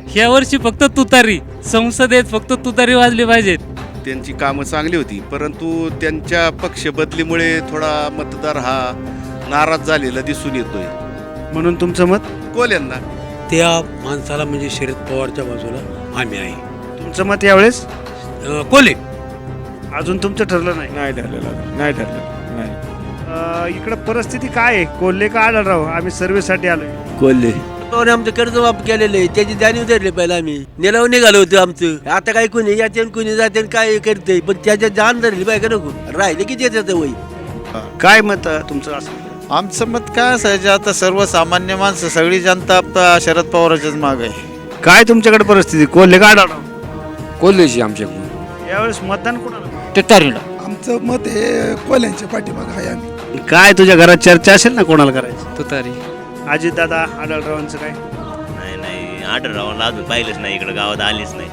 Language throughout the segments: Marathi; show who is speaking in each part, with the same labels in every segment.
Speaker 1: ह्या वर्षी फक्त तुतारी, संसदेत फक्त तुतारी वाजली पाहिजेत.
Speaker 2: त्यांची कामं चांगली होती, परंतु त्यांच्या पक्ष बदलीमुळे थोडा मतदार हा नाराज झालेला दिसून येतोय.
Speaker 3: म्हणून तुमचं मत?
Speaker 2: कोल्यांना.
Speaker 4: त्या माणसाला म्हणजे शरद पवारच्या बाजूला आम्ही आहे.
Speaker 3: तुमचं मत यावेळेस?
Speaker 4: कोल्हे.
Speaker 3: अजून तुमचं ठरलं नाही?
Speaker 5: नाही ठरलेलं, नाही ठरलेलं, नाही.
Speaker 3: इकडं परिस्थिती काय आहे? कोल्हे का आढळराव? आम्ही सर्वेसाठी आलोय.
Speaker 6: कोल्हे आमचं कर्ज माफ केलेलं आहे, त्याची जाणीव धरली पाहिजे. आम्ही निलाव निघालो होतो आमचं. आता काय कोणी याचे कोणी जाते काय करते, पण त्याच्या जाण धरली पाहिजे का नको? राहिले की त्याचं वय.
Speaker 3: काय मत तुमचं असं?
Speaker 7: आमचं मत काय असायचं, आता सर्वसामान्य माणसं सगळी जनता आता शरद पवाराच्याच माग आहे.
Speaker 3: काय तुमच्याकडे परिस्थिती? कोल्हे का आढळराव?
Speaker 8: कोल्हेची आमच्याकडून.
Speaker 3: यावेळेस मतदान कोणाला?
Speaker 8: तुतारीला.
Speaker 9: आमचं मत हे कोल्ह्यांच्या पाठीमागं आहे. आम्ही
Speaker 3: काय तुझ्या घरात चर्चा असेल ना कोणाला करायचं?
Speaker 8: तुतारी.
Speaker 3: अजितदादा, आढळरावांचं काय?
Speaker 10: नाही आढळरावांना अजून पाहिलंच नाही, इकडे गावात आलीच नाही.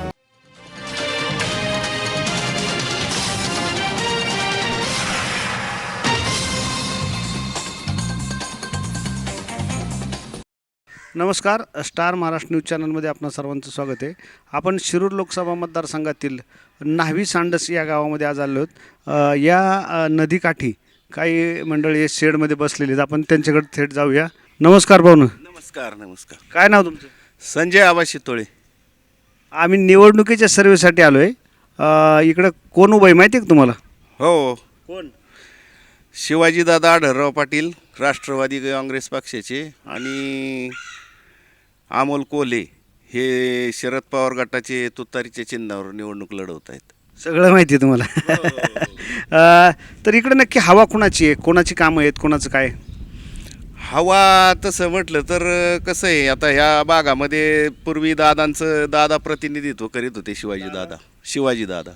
Speaker 3: नमस्कार, स्टार महाराष्ट्र न्यूज चॅनलमध्ये आपणा सर्वांचं स्वागत आहे. आपण शिरूर लोकसभा मतदारसंघातील न्हावी सांडस या गावामध्ये आज आलो आहोत. या नदीकाठी काही मंडळी शेडमध्ये बसलेली आहेत. आपण त्यांच्याकडे थेट जाऊया. नमस्कार भाऊ.
Speaker 2: नमस्कार. नमस्कार.
Speaker 3: काय नाव तुमचं?
Speaker 2: संजय आबा शितोळे.
Speaker 3: आम्ही निवडणुकीच्या सर्वेसाठी आलो आहे. इकडं कोण उभं आहे माहिती आहे का तुम्हाला?
Speaker 2: हो,
Speaker 3: कोण?
Speaker 2: शिवाजीदादा आढळराव पाटील, राष्ट्रवादी काँग्रेस पक्षाचे, आणि अमोल कोल्हे हे शरद पवार गटाचे तुतारीच्या चिन्हावर निवडणूक लढवत आहेत.
Speaker 3: सगळं माहिती आहे तुम्हाला. तर इकडे नक्की हवा कोणाची आहे? कोणाची कामं आहेत? कोणाचं काय?
Speaker 2: हवा तसं म्हटलं तर कसं आहे, आता ह्या भागामध्ये पूर्वी दादा प्रतिनिधित्व करीत होते. शिवाजीदादा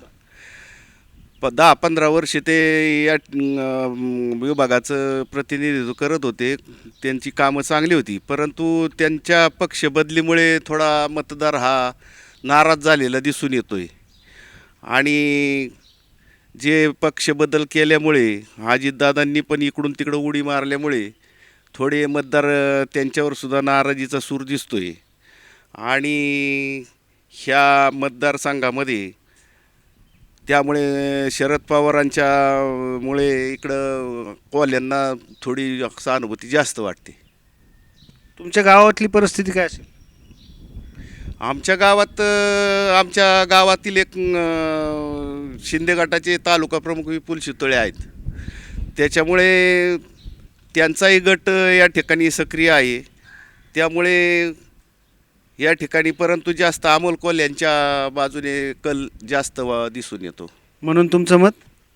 Speaker 2: 10-15 वर्ष ते या विभागाचं प्रतिनिधित्व करत होते. त्यांची कामं चांगली होती, परंतु त्यांच्या पक्ष बदलीमुळे थोडा मतदार हा नाराज झालेला दिसून येतोय. आणि जे पक्ष बदल केल्यामुळे अजितदादांनी पण इकडून तिकडं उडी मारल्यामुळे थोडे मतदार त्यांच्यावर सुद्धा नाराजीचा सूर दिसतोय. आणि ह्या मतदारसंघामध्ये त्यामुळे शरद पवारांच्यामुळे इकडं कोल्ह्यांना थोडी सहानुभूती जास्त वाटते.
Speaker 3: तुमच्या गावातली परिस्थिती काय असेल?
Speaker 2: आमच्या गावातील एक शिंदे गटाचे तालुका प्रमुख विपुल शितोळे आहेत. त्याच्यामुळे त्यांचाही गट या ठिकाणी सक्रिय आहे. त्यामुळे या ठिकाणी परंतु जास्त अमोल कोल्ह्यांच्या बाजूने कल जास्त दिसून येतो.
Speaker 3: म्हणून तुमचं मत?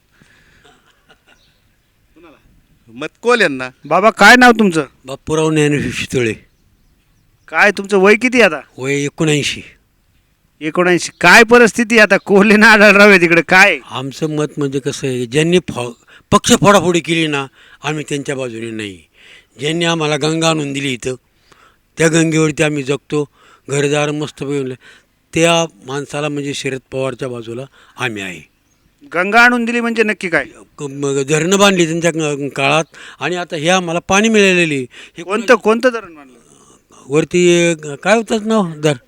Speaker 2: मत कोल्ह्यांना.
Speaker 3: बाबा, काय नाव तुमचं?
Speaker 4: बापूराव ज्ञानेश्वर शितोळे.
Speaker 3: काय तुमचं वय किती आता?
Speaker 4: वय 79.
Speaker 3: 79. काय परिस्थिती आता? कोल्हे ना आढळराव आहे तिकडे, काय?
Speaker 4: आमचं मत म्हणजे कसं आहे, ज्यांनी पक्ष फोडाफोडी केली ना, आम्ही त्यांच्या बाजूने नाही. ज्यांनी आम्हाला गंगा आणून दिली इथं, त्या गंगेवरती आम्ही जगतो, घरदार मस्त मिळवलं, त्या माणसाला म्हणजे शरद पवारच्या बाजूला आम्ही आहे.
Speaker 3: गंगा आणून दिली म्हणजे नक्की काय?
Speaker 4: धरणं बांधली त्यांच्या काळात, आणि आता हे आम्हाला पाणी मिळालेली. हे
Speaker 3: कोणतं धरण मानलं?
Speaker 4: वरती काय होतं नाव धर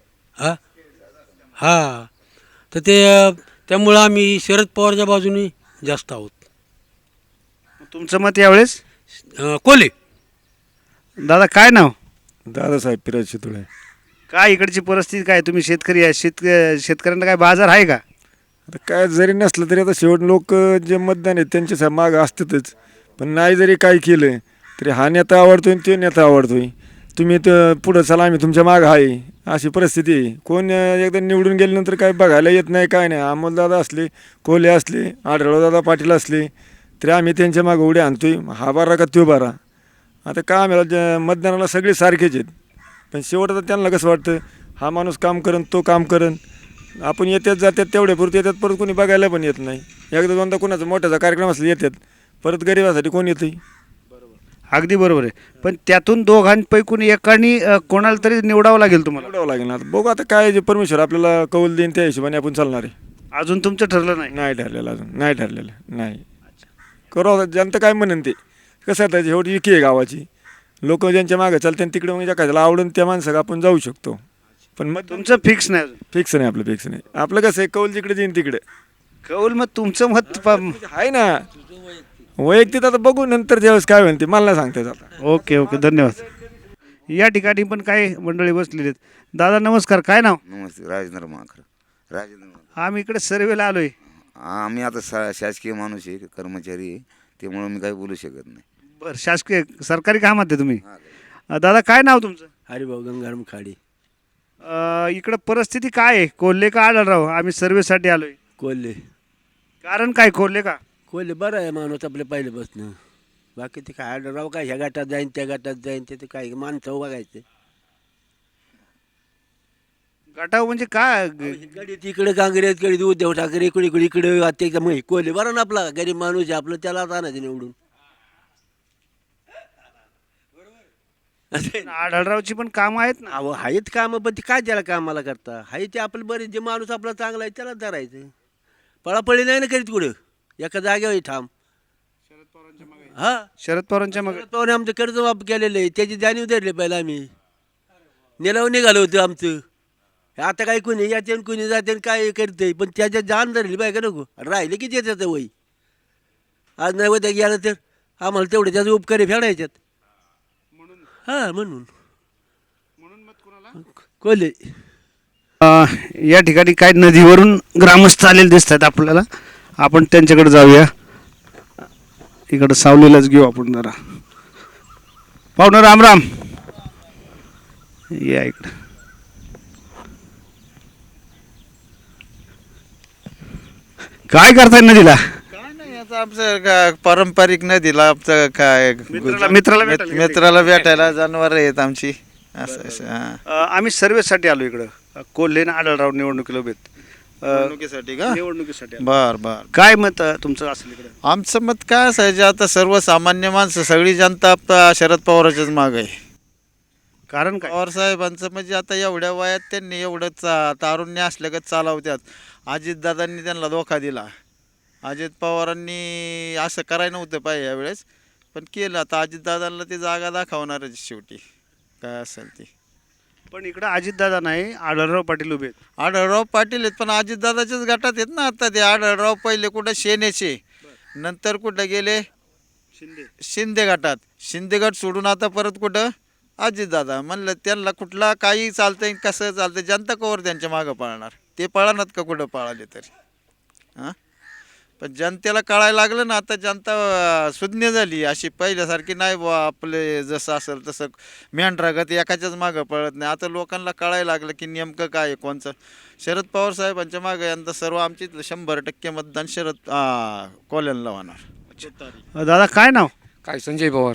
Speaker 4: हां तर त्यामुळं आम्ही शरद पवारच्या बाजूने जास्त आहोत.
Speaker 3: तुमचं मत यावेळेस?
Speaker 4: कोल्हे.
Speaker 3: दादा, काय नाव?
Speaker 5: दादासाहेब पिराज शितोळे.
Speaker 3: काय इकडची परिस्थिती काय? तुम्ही शेतकरी आहे, शेतकऱ्यांना काय बाजार आहे का?
Speaker 5: आता काय जरी नसलं तरी आता शेवट लोक जे मतदान आहेत त्यांच्या मागं असतातच. पण नाही जरी काय केलं तरी हा नेता आवडतोय आणि तो नेता आवडतोय. तुम्ही तर पुढं चला, आम्ही तुमच्या मागं आहे, अशी परिस्थिती आहे. कोण एकदा निवडून गेल्यानंतर काय बघायला येत नाही, काय नाही. अमोलदादा असले, कोल्हे असले, आढळरावदादा पाटील असले तरी आम्ही त्यांच्या मागं उड्या आणतोय. हा बारा का तो बारा. आता काय आम्हाला मतदानाला सगळे सारखेच आहेत, पण शेवट आता त्यांना कसं वाटतं, हा माणूस काम करेन, तो काम करेन. आपण येतात जातात तेवढ्यापुरती येतात, परत कोणी बघायला पण येत नाही. एकदा दोनदा कोणाचा मोठ्याचा कार्यक्रम असला येतात, परत गरिबासाठी कोण येतं?
Speaker 3: अगदी बरोबर आहे. पण त्यातून दोघांपैकी एकाने कोणाला तरी निवडावं लागेल तुम्हाला.
Speaker 5: निवडावं लागेल ना. आता बघू आता काय जे परमेश्वर आपल्याला कौल देईन त्या हिशोबाने आपण चालणार आहे.
Speaker 3: अजून तुमचं ठरलं नाही?
Speaker 5: नाही ठरलेलं, अजून नाही ठरलेलं. नाही करू जनता काय म्हणेन ते. कसं आहे, शेवटी विकी आहे गावाची. लोक ज्यांच्या मागं चालते तिकडे मग एखाद्याला आवडून त्या माणसाला आपण जाऊ शकतो. पण मग
Speaker 3: तुमचं फिक्स नाही अजून.
Speaker 5: फिक्स नाही, आपलं फिक्स नाही. आपलं कसं आहे, कौल जिकडे जाईन तिकडे
Speaker 3: कौल मग तुमचं मत
Speaker 5: आहे ना. वैयक्तिक आता बघू नंतर ज्यावेळेस काय होईल ते मला नाही सांगता येत आता.
Speaker 3: ओके ओके, धन्यवाद. या ठिकाणी पण काही मंडळी बसलेली आहेत. दादा नमस्कार, काय नाव?
Speaker 11: नमस्ते, राजेंद्र माखर. राजेंद्र
Speaker 3: आम्ही इकडे सर्वेला आलोय.
Speaker 11: आम्ही आता शासकीय माणूस आहे, कर्मचारी आहे, त्यामुळं मी काही बोलू शकत नाही.
Speaker 3: बरं, शासकीय सरकारी कामात आहे तुम्ही. दादा काय नाव तुमचं?
Speaker 6: हरिभाऊ गंगाराम खाडी.
Speaker 3: इकडं परिस्थिती काय आहे? कोल्हे का आढळराव? आम्ही सर्वेसाठी आलोय.
Speaker 6: कोल्हे.
Speaker 3: कारण काय कोल्हे का?
Speaker 6: कोल्हे बरं आहे माणूस आपल्या पहिल्यापासून. बाकी ते काय आढळराव काय ह्या गटात जाईन त्या गटात जाईन ते काय माणसं बघायचं.
Speaker 3: गटाव म्हणजे काय?
Speaker 6: गडी तिकडे काँग्रेस गडी उद्धव ठाकरे इकडे इकडे इकडे आता एकदम मग कोल्हे बरं ना आपला गरीब माणूस आहे आपलं त्याला आणायचं निवडून.
Speaker 3: आढळरावची पण कामं आहेत ना.
Speaker 6: अहो आहेत कामं पण ते काय त्याला कामाला करता हाय ते आपलं बरेच जे माणूस आपला चांगला आहे त्याला धरायचं. पळापळी नाही ना करीत कुठं एका जागेवर ठाम. हा
Speaker 3: शरद पवारांच्या मग
Speaker 6: शरद पवारने आमचं कर्ज माफ केलेलं आहे त्याची जाणीव धरली पहिला आम्ही निलाव निघालो होतो आमचं. आता काय कोणी याचे कोणी जाते काय करते पण त्याच्या जाण धरली पाहिजे नको राहिले की त्याचं वय आज नाही होत्या गेलं तर आम्हाला तेवढे त्याचे उपकारी फेडायच्यात. हां म्हणून कोल्हे.
Speaker 3: या ठिकाणी काय नदीवरून ग्रामस्थ आलेले दिसत आहेत आपल्याला. आपण त्यांच्याकडे जाऊया. इकडं सावलीलाच घेऊ आपण जरा. पाहुणं राम राम, या इकडं. काय करताय नदीला?
Speaker 7: काय नाही आता आमचं पारंपरिक नदीला आमचं काय
Speaker 3: मित्राला
Speaker 7: भेटायला जनावर आहेत आमची असं हां.
Speaker 3: आम्ही सर्वेसाठी आलो इकडं. कोल्हे आणि आढळराव निवडणुकीला उभे आहेत.
Speaker 7: निवडणुकीसाठी का?
Speaker 3: निवडणुकीसाठी आलो.
Speaker 7: बर बर.
Speaker 3: काय मत तुमचं असेल इकडं?
Speaker 7: आमचं मत काय असायचं आता सर्वसामान्य माणसं सगळी जनता शरद पवाराच्याच माग आहे.
Speaker 3: कारण काय?
Speaker 7: पवार साहेबांचं म्हणजे आता एवढ्या वयात त्यांनी एवढं तारुण्य असल्यागत चालवत्यात. अजितदादांनी त्यांना धोका दिला. अजित पवारांनी असं करायला नव्हतं पाहिजे यावेळेस पण केलं. आता अजितदादांना ते जागा दाखवणारच शेवटी काय असेल ती.
Speaker 3: पण इकडं अजितदादा नाही, आढळराव पाटील उभे आहेत.
Speaker 7: आढळराव पाटील आहेत पण अजितदादाच्याच गटात आहेत ना आता ते. आढळराव पहिले कुठं सेनेचे नंतर कुठं गेले शिंदे गटात. शिंदे गट सोडून आता परत कुठं अजितदादा. म्हणलं त्यांना कुठला काही चालतंय कसं चालतंय जनता कवर त्यांच्या मागं पळणार. ते पळणार का कुठं पळाले तरी. हां पण जनतेला कळायला लागलं ना आता जनता सुज्ञ झाली अशी पहिल्यासारखी नाही बुवा आपले जसं असेल तसं मेंढरागत एकाच्याच मागं पळत नाही. आता लोकांना कळायला लागलं की नेमकं काय आहे कोणचं. शरद पवार साहेबांच्या मागं यंदा सर्व आमची 100% मतदान शरद कोल्ह्यांना होणार.
Speaker 3: दादा काय नाव?
Speaker 8: काय संजय पवार.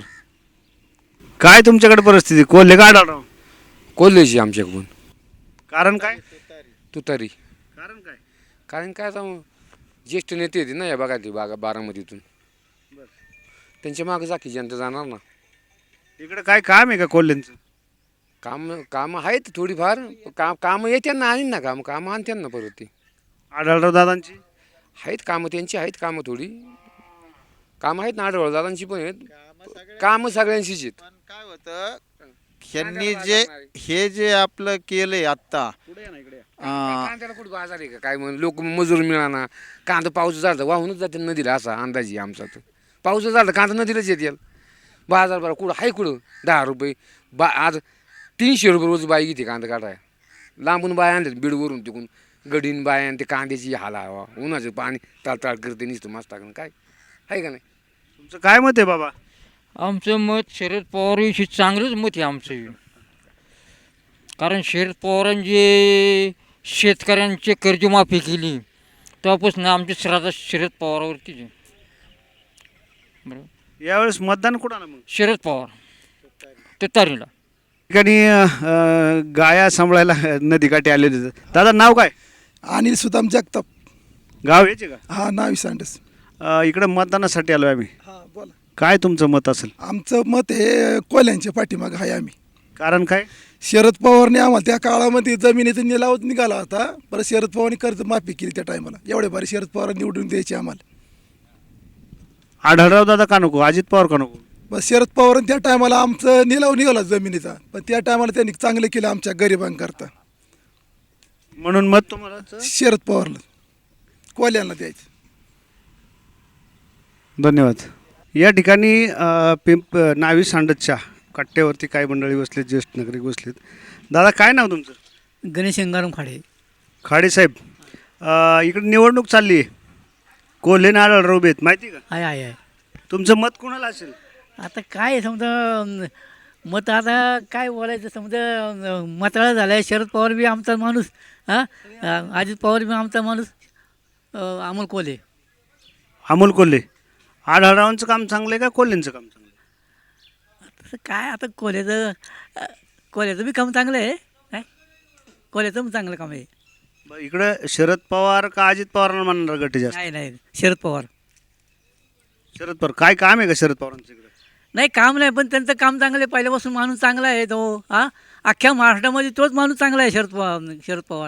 Speaker 3: काय तुमच्याकडे परिस्थिती? कोल्हे का आढळराव?
Speaker 8: कोल्हेची आमच्याकडून.
Speaker 3: कारण काय?
Speaker 8: तुतारी.
Speaker 3: कारण काय?
Speaker 8: कारण काय आता ज्येष्ठ नेते होते ना या भागातली बारामतीतून त्यांच्या मागं जाकी जनता जाणार ना.
Speaker 3: इकडे काय काम आहे का कोल्हेंचं?
Speaker 8: कामं आहेत थोडीफार. कामं येते ना आणि ना कामं आणते ना परत ते.
Speaker 3: आढळराव दादांची
Speaker 8: आहेत कामं त्यांची आहेत कामं थोडी कामं आहेत ना आढळराव दादांची पण आहेत. कामं सगळ्यांचीच आहेत.
Speaker 7: पण काय होतं ह्यांनी हे जे आपलं केलंय आत्ता
Speaker 8: कांद्याला कुठं बाजार आहे का काय म्हणून लोक मजूर मिळाना. कांदा पाऊस झाला वाहूनच जाते नदीला असा अंदाजी आमचा. तर पाऊस झाला कांदा नदीलाच येते. बाजार बरं कुठं आहे कुठं 10 रुपये आज 300 रुपये रोज बाई घेते कांदा काढाय. लांबून बाय आणतात बीडवरून तिकून गडीन बाय आणि ते कांद्याची हालावा उन्हाचं पाणी ताळताळ करते नुसतं मस्त टाकून काय आहे का नाही.
Speaker 3: तुमचं काय मत आहे बाबा?
Speaker 12: आमचं मत शरद पवारविषयी चांगलंच मत आहे आमचं. कारण शरद पवारांनी जे शेतकऱ्यांची कर्जमाफी केली तेव्हापासून आमची श्रद्धा शरद पवारावरतीच आहे. बरोबर.
Speaker 3: यावेळेस मतदान कुणाला मग?
Speaker 12: शरद पवार तुतारीला.
Speaker 3: ठिकाणी गाया सांभाळायला नदीकाठी आलेले आहेत. दादा नाव काय?
Speaker 9: अनिल सुदाम जगताप.
Speaker 3: गाव याचे का?
Speaker 9: हा नावी सांडस.
Speaker 3: इकडं मतदानासाठी आलो आम्ही.
Speaker 9: हा बोला.
Speaker 3: काय तुमचं मत असेल?
Speaker 9: आमचं मत हे कोल्ह्यांच्या पाठीमागं आहे आम्ही.
Speaker 3: कारण काय?
Speaker 9: शरद पवारने आम्हाला त्या काळामध्ये जमिनीचा निलाव निघाला होता. परत शरद पवारने कर्ज माफी केली त्या टायमाला. एवढे भारी शरद पवार निवडून द्यायचे आम्हाला.
Speaker 3: आढळराव दादा का नको? अजित पवार का नको?
Speaker 9: बस शरद पवारांनी त्या टायमाला आमचं निलाव निघाला जमिनीचा पण त्या टायमाला त्यांनी चांगलं केलं आमच्या गरिबांकरता.
Speaker 3: म्हणून मत तुम्हाला
Speaker 9: शरद पवारला कोल्यांना द्यायचं.
Speaker 3: धन्यवाद. या ठिकाणी न्हावी सांडसच्या कट्ट्यावरती काही मंडळी बसलेत, ज्येष्ठ नागरिक बसलेत. दादा काय नाव तुमचं?
Speaker 12: गणेश अंगाराम खाडे.
Speaker 3: खाडे साहेब, इकडे निवडणूक चालली आहे, कोल्हे आणि आढळराव उभे आहेत, माहिती का?
Speaker 12: आहे आहे आहे.
Speaker 3: तुमचं मत कोणाला असेल?
Speaker 12: आता काय समजा मत आता काय बोलायचं समजा मताळा झाला आहे. शरद पवार बी आमचा माणूस, अजित पवार बी आमचा माणूस, अमोल कोल्हे.
Speaker 3: अमोल कोल्हे. आढळरावांचं काम चांगलं आहे का कोल्हेंचं काम चांगलं आहे?
Speaker 12: तसं काय आता कोल्ह्याचं बी काम चांगलं आहे. काय कोल्ह्याचं पण चांगलं काम आहे.
Speaker 3: बरं, इकडं शरद पवार का अजित पवारांना म्हणणार गट जास्त?
Speaker 12: नाही नाही, शरद पवार.
Speaker 3: शरद पवार काय काम आहे का शरद पवारांचं इकडं?
Speaker 12: नाही काम नाही, पण त्यांचं काम चांगलं आहे. पहिल्यापासून माणूस चांगला आहे तो. अख्ख्या महाराष्ट्रामध्ये तोच माणूस चांगला आहे शरद पवार.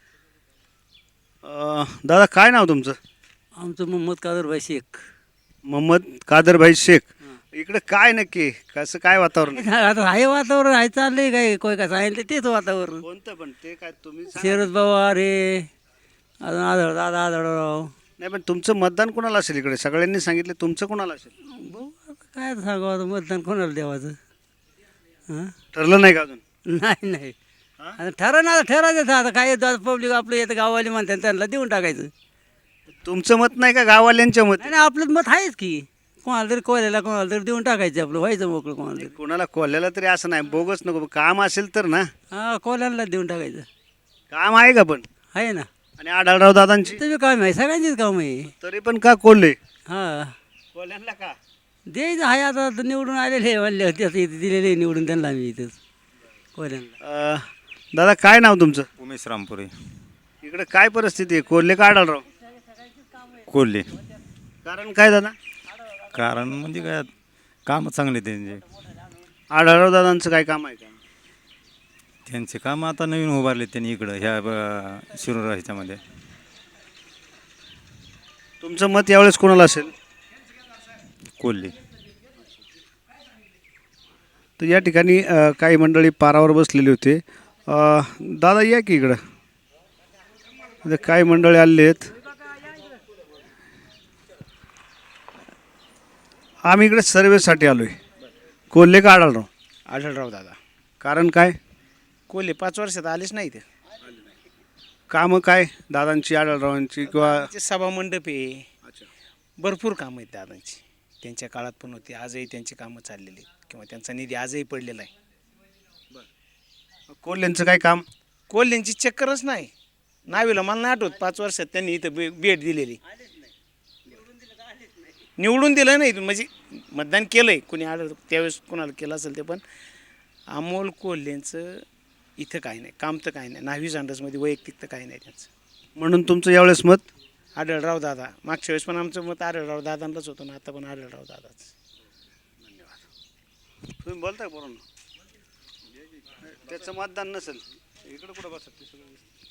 Speaker 3: दादा काय नाव तुमचं?
Speaker 6: आमचं मोहम्मद कादरभाई शेख.
Speaker 3: मोहम्मद कादरभाई शेख. इकडे काय नक्की कसं काय वातावरण आहे?
Speaker 6: आता आहे वातावरण आहे, चाललंय काय कोय काय सांगितलं तेच वातावरण.
Speaker 3: कोणतं पण ते काय तुम्ही सांगा.
Speaker 6: शरद पवार हे अजून आढळराव.
Speaker 3: नाही पण तुमचं मतदान कोणाला असेल इकडे? सगळ्यांनी सांगितलं तुमचं कोणाला असेल?
Speaker 6: काय सांगावं आता मतदान कोणाला द्यावाचं.
Speaker 3: ठरलं नाही का अजून?
Speaker 6: नाही नाही, आता ठरायचं आता काय पब्लिक आपलं येतं गावाले म्हणतात त्यांना देऊन टाकायचं.
Speaker 3: तुमचं मत नाही का गाववाल्यांच्या मत?
Speaker 6: नाही आपलं मत आहेच की, कोणाला तरी कोल्याला कोणाला तरी देऊन टाकायचं, आपलं व्हायचं मोकळं कोणाला तरी.
Speaker 3: कोणाला कोल्ह्याला तरी असं नाही, बोगस नको, काम असेल तर ना.
Speaker 6: कोल्याला देऊन टाकायचं.
Speaker 3: काम आहे का पण?
Speaker 6: आहे ना,
Speaker 3: आणि आढळराव दादांची
Speaker 6: तुझं काम आहे, सगळ्यांचीच काम आहे.
Speaker 3: तरी पण का कोल्हे?
Speaker 6: हां
Speaker 3: कोल्ह्यांना का?
Speaker 6: द्यायचं आहे, आता निवडून आलेले म्हणले होते दिलेले निवडून त्यांना आम्ही इथंच कोल्यांना.
Speaker 3: दादा काय नाव तुमचं?
Speaker 11: उमेश रामपुरे.
Speaker 3: इकडे काय परिस्थिती आहे, कोल्हे का आढळराव?
Speaker 11: कोल्हे.
Speaker 3: कारण काय दादा?
Speaker 11: कारण म्हणजे काय, कामं चांगले त्यांचे.
Speaker 3: आढळराव दादांचं काय काम आहे का?
Speaker 11: त्यांचे काम आता नवीन उभारले त्यांनी इकडं ह्या शिरूर ह्याच्यामध्ये.
Speaker 3: तुमचं मत यावेळेस कोणाला असेल?
Speaker 11: कोल्हे.
Speaker 3: तर या ठिकाणी काही मंडळी पारावर बसलेली होते. दादा या की इकडं. इथं काही मंडळी आलेले आहेत. आम्ही इकडे सर्वेसाठी आलो आहे. कोल्हे का आढळराव?
Speaker 13: आढळराव दादा.
Speaker 3: कारण काय?
Speaker 13: कोल्हे 5 वर्षात आलेच नाही ते.
Speaker 3: कामं काय दादांची, आढळरावांची किंवा
Speaker 13: सभामंडप आहे, भरपूर कामं आहेत दादांची. त्यांच्या काळात पण होती, आजही त्यांची कामं चाललेली आहेत किंवा त्यांचा निधी आजही पडलेला आहे.
Speaker 3: कोल्ह्यांचं काय काम?
Speaker 13: कोल्ह्यांची चक्करच नाही. नावीला मला नाही आठवत 5 वर्षात त्यांनी इथं भेट दिलेली. निवडून दिलं नाही, म्हणजे मतदान केलं आहे कुणी आढळ त्यावेळेस कोणाला केलं असेल ते. पण अमोल कोल्हेंचं इथं काही नाही, काम तर काही नाही. न्हावी सांडसमध्ये वैयक्तिक तर काही नाही त्यांचं.
Speaker 3: म्हणून तुमचं यावेळेस मत
Speaker 13: आढळराव दादा. मागच्या वेळेस पण आमचं मत आढळराव दादांनाच होतं ना, आता पण आढळराव दादाच.
Speaker 3: तुम्ही बोलताय बरोबर, त्याचं मतदान नसेल इकडं कुठं बसत ते सगळं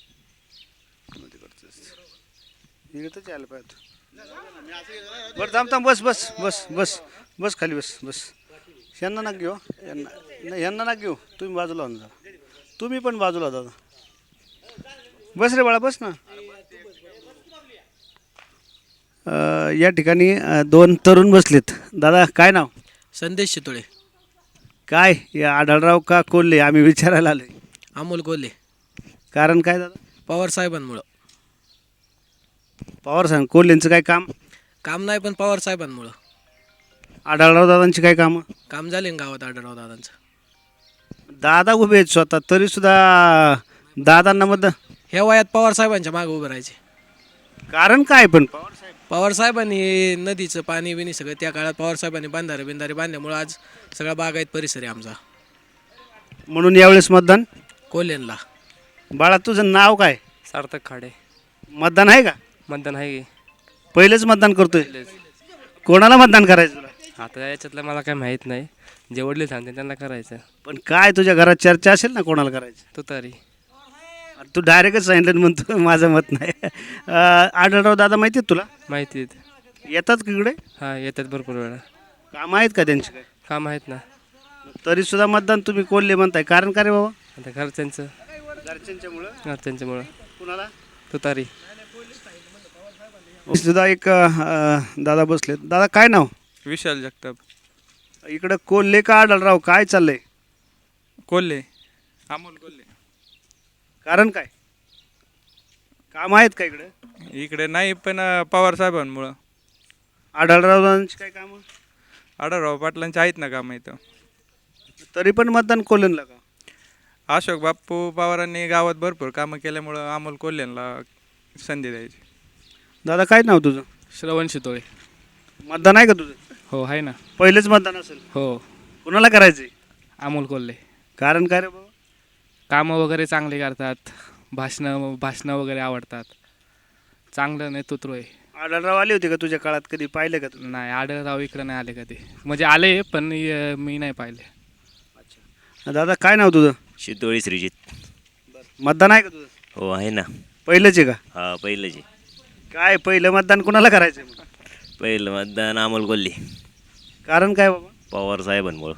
Speaker 3: इकडंच यायला पाहिजे. बरं थांब बस बस बस बस बस खाली बस बस. यांना ना घेऊ, यांना नाही, यांना ना घेऊ. तुम्ही बाजूला हो ना, तुम्ही पण बाजूला दादा. बस रे बाळा बस ना. या ठिकाणी 2 तरुण बसलेत. दादा काय नाव?
Speaker 6: संदेश शितोळे.
Speaker 3: काय या आढळराव का कोल्हे आम्ही विचारायला आलोय?
Speaker 6: अमोल कोल्हे.
Speaker 3: कारण काय दादा?
Speaker 6: पवार साहेबांमुळं.
Speaker 3: पवार साहेब. कोल्हेंचं काय काम?
Speaker 6: काम नाही, पण पवार साहेबांमुळं.
Speaker 3: आढळराव दादांची काय कामं?
Speaker 6: काम झाले ना गावात आढळराव दादांचं.
Speaker 3: दादा उभे आहेत स्वतः, तरी सुद्धा दादांना मत.
Speaker 6: ह्या वयात पवार साहेबांच्या मागे उभे राहायचे.
Speaker 3: कारण काय पण?
Speaker 6: पवार साहेबांनी नदीचं पाणी बिनी सगळं त्या काळात पवार साहेबांनी बिंधारे बांधल्यामुळं आज सगळा बागायत परिसर आहे आमचा.
Speaker 3: म्हणून यावेळेस मतदान
Speaker 6: कोल्हेंना.
Speaker 3: बाळा तुझं नाव काय?
Speaker 14: सार्थक खाडे.
Speaker 3: मतदान आहे का?
Speaker 14: मतदान आहे.
Speaker 3: पहिलेच मतदान करतोय. कोणाला मतदान करायचं तुला?
Speaker 14: आता याच्यातलं मला काय माहीत नाही, जे वडील सांगते त्यांना करायचं.
Speaker 3: पण काय तुझ्या घरात चर्चा असेल ना कोणाला करायचं?
Speaker 14: तू तरी
Speaker 3: तू डायरेक्टच सांगितलं म्हणतो माझं मत नाही. आढळराव दादा माहिती आहेत तुला?
Speaker 14: माहिती
Speaker 3: येतात का इकडे?
Speaker 14: हां येतात भरपूर वेळा.
Speaker 3: काम आहेत का त्यांचे काय?
Speaker 14: काम आहेत ना.
Speaker 3: तरी सुद्धा मतदान तुम्ही कोल्हे म्हणताय, कारण का रे बाबा?
Speaker 14: आता घरच्यांचं.
Speaker 3: घरच्यांच्यामुळं
Speaker 14: त्यांच्यामुळं
Speaker 3: कुणाला
Speaker 14: तुतारी.
Speaker 3: सुद्धा एक दादा बसलेत. दादा काय नाव?
Speaker 11: विशाल जगताप.
Speaker 3: इकडं कोल्हे का आढळराव, काय चाललंय?
Speaker 11: कोल्हे, अमोल कोल्हे.
Speaker 3: कारण काय, काम आहेत का इकडं?
Speaker 11: इकडे नाही, पण पवार साहेबांमुळं.
Speaker 3: आढळरावांची काय कामं?
Speaker 11: आढळराव पाटलांचे आहेत ना कामं इथं.
Speaker 3: तरी पण मतदान कोल्हेला का?
Speaker 11: अशोक बाप्पू पवारांनी गावात भरपूर कामं केल्यामुळं अमोल कोल्हेंना संधी द्यायची.
Speaker 3: दादा काय नाव तुझं?
Speaker 14: श्रवण शितोळे.
Speaker 3: मतदान आहे का तुझं?
Speaker 14: हो आहे ना.
Speaker 3: पहिलेच मतदान असेल.
Speaker 14: हो.
Speaker 3: कुणाला करायचंय?
Speaker 14: अमोल कोल्हे.
Speaker 3: कारण काय रे बाबा?
Speaker 14: कामं वगैरे चांगले करतात, भाषणं वगैरे आवडतात, चांगलं नेतृत्व आहे.
Speaker 3: आढळराव आले होते का तुझ्या काळात, कधी पाहिले का तू?
Speaker 14: नाही, आढळराव इकडं नाही आले कधी, म्हणजे आले पण मी नाही पाहिले.
Speaker 3: दादा काय नाव तुझं?
Speaker 10: शितोळी श्रीजित.
Speaker 3: मतदान आहे का तुझं?
Speaker 10: हो आहे ना.
Speaker 3: पहिलंच आहे का?
Speaker 10: हा पहिलंच आहे.
Speaker 3: काय पहिलं मतदान कुणाला करायचंय मग?
Speaker 10: पहिलं मतदान अमोल कोल्हे.
Speaker 3: कारण काय बाबा?
Speaker 10: पवार साहेबांमुळं.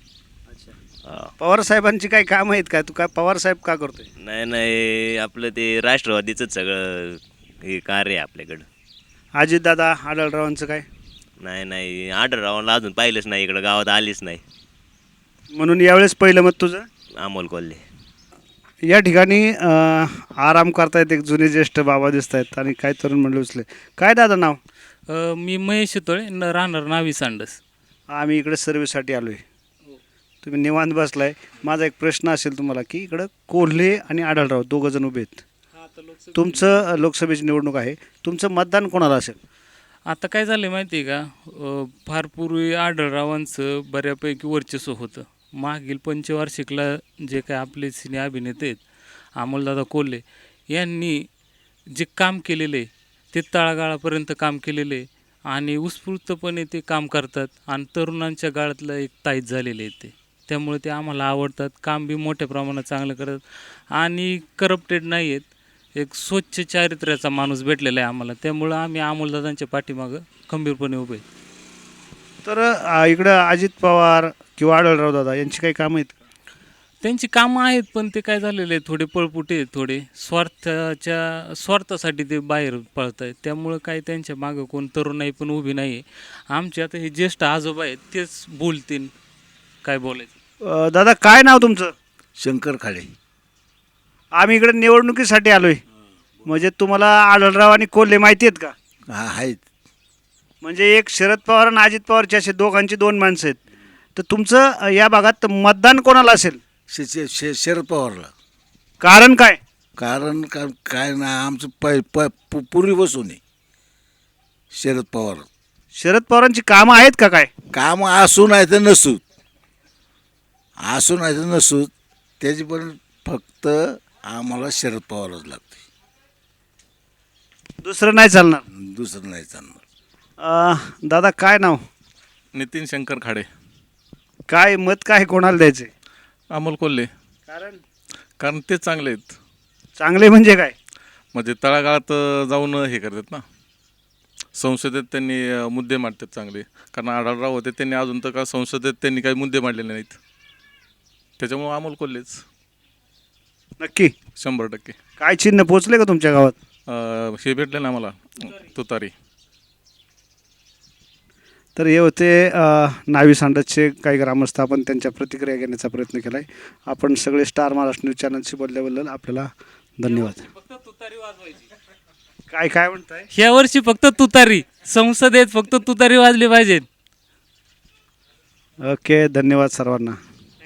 Speaker 10: हा.
Speaker 3: पवार साहेबांची काही काम आहेत का? तू काय पवार साहेब का करतोय?
Speaker 10: नाही आपलं ते राष्ट्रवादीचंच सगळं हे कार्य आहे आपल्याकडं.
Speaker 3: अजित दादा आढळरावांचं काय?
Speaker 10: नाही आढळरावांना अजून पाहिलंच नाही, इकडं गावात आलीच नाही.
Speaker 3: म्हणून यावेळेस पहिलं मत तुझं
Speaker 10: अमोल कोल्हे.
Speaker 3: या ठिकाणी आराम करतायत एक जुने ज्येष्ठ बाबा दिसत आहेत आणि काय तरुण मंडळी उचले. काय दादा नाव?
Speaker 1: मी महेश शितोळे, राहणार नावी सांडस.
Speaker 3: आम्ही इकडे सर्व्हिससाठी आलो आहे. तुम्ही निवांत बसलाय. माझा एक प्रश्न असेल तुम्हाला की इकडं कोल्हे आणि आढळराव दोघं जण उभे आहेत. तुमचं लोकसभेची निवडणूक आहे, तुमचं मतदान कोणाला असेल?
Speaker 1: आता काय झालं माहिती आहे का, फार पूर्वी आढळरावांचं बऱ्यापैकी वर्चस्व होतं. मागील पंचवार्षिकला जे काय आपले सिने अभिनेते आहेत अमोलदादा कोल्हे यांनी जे काम केलेले ते तळागाळापर्यंत काम केलेले आणि उत्स्फूर्तपणे ते काम करतात आणि तरुणांच्या गाळातलं एक ताईत झालेले आहेत ते. त्यामुळे ते आम्हाला आवडतात. काम बी मोठ्या प्रमाणात चांगलं करतात आणि करप्टेड नाही आहेत. एक स्वच्छ चारित्र्याचा माणूस भेटलेला आहे आम्हाला, त्यामुळं आम्ही अमोलदादांच्या पाठीमागं खंबीरपणे उभे.
Speaker 3: तर इकडं अजित पवार किंवा आढळराव दादा यांची काही कामं आहेत?
Speaker 1: त्यांची कामं आहेत, पण ते काय झालेले आहे, थोडे पळपुटे आहेत, थोडे स्वार्थासाठी ते बाहेर पळत आहेत. त्यामुळं काय त्यांच्या मागं कोण तरुणाई पण उभी नाही आहे. आमचे आता हे ज्येष्ठ आजोबा आहेत तेच बोलतील काय बोलायचं.
Speaker 3: दादा काय नाव तुमचं?
Speaker 15: शंकर खाडे.
Speaker 3: आम्ही इकडे निवडणुकीसाठी आलो आहे. म्हणजे तुम्हाला आढळराव आणि कोल्हे माहिती आहेत का?
Speaker 15: हा आहेत.
Speaker 3: म्हणजे एक शरद पवार आणि अजित पवारचे असे दोघांची दोन माणसं आहेत. तर तुमचं या भागात मतदान कोणाला असेल?
Speaker 15: शरद पवारला.
Speaker 3: कारण काय?
Speaker 15: कारण काय ना, आमचं पूर्वीपासून आहे शरद पवार.
Speaker 3: शरद पवारांची कामं आहेत का? काय
Speaker 15: कामं असू नाही तर नसू, त्याची पण फक्त आम्हाला शरद पवारच लागते,
Speaker 3: दुसरं नाही चालणार.
Speaker 15: दुसरं नाही चालणार.
Speaker 3: दादा काय नाव?
Speaker 11: नितीन शंकर खाडे.
Speaker 3: काय मत काय कोणाला द्यायचे?
Speaker 11: अमोल कोल्हे.
Speaker 3: कारण
Speaker 11: ते चांगले आहेत.
Speaker 3: चांगले म्हणजे काय?
Speaker 11: म्हणजे तळागाळात जाऊन हे करतात ना, संसदेत त्यांनी मुद्दे मांडतात चांगले. कारण आढळराव होते, त्यांनी अजून तर का संसदेत त्यांनी काही मुद्दे मांडलेले नाहीत. त्याच्यामुळं अमोल कोल्हेच.
Speaker 3: नक्की
Speaker 11: 100%.
Speaker 3: काय चिन्ह पोचले का तुमच्या गावात?
Speaker 11: हे भेटले ना आम्हाला, तुतारी.
Speaker 3: तर हे होते नावी सांडसचे काही ग्रामस्थ. आपण त्यांच्या प्रतिक्रिया घेण्याचा प्रयत्न केला आहे. आपण सगळे स्टार महाराष्ट्र न्यूज चॅनलशी बोलल्याबद्दल आपल्याला धन्यवाद. काय म्हणताय?
Speaker 1: ह्या वर्षी फक्त तुतारी, संसदेत फक्त तुतारी वाजली पाहिजे.
Speaker 3: ओके, धन्यवाद सर्वांना.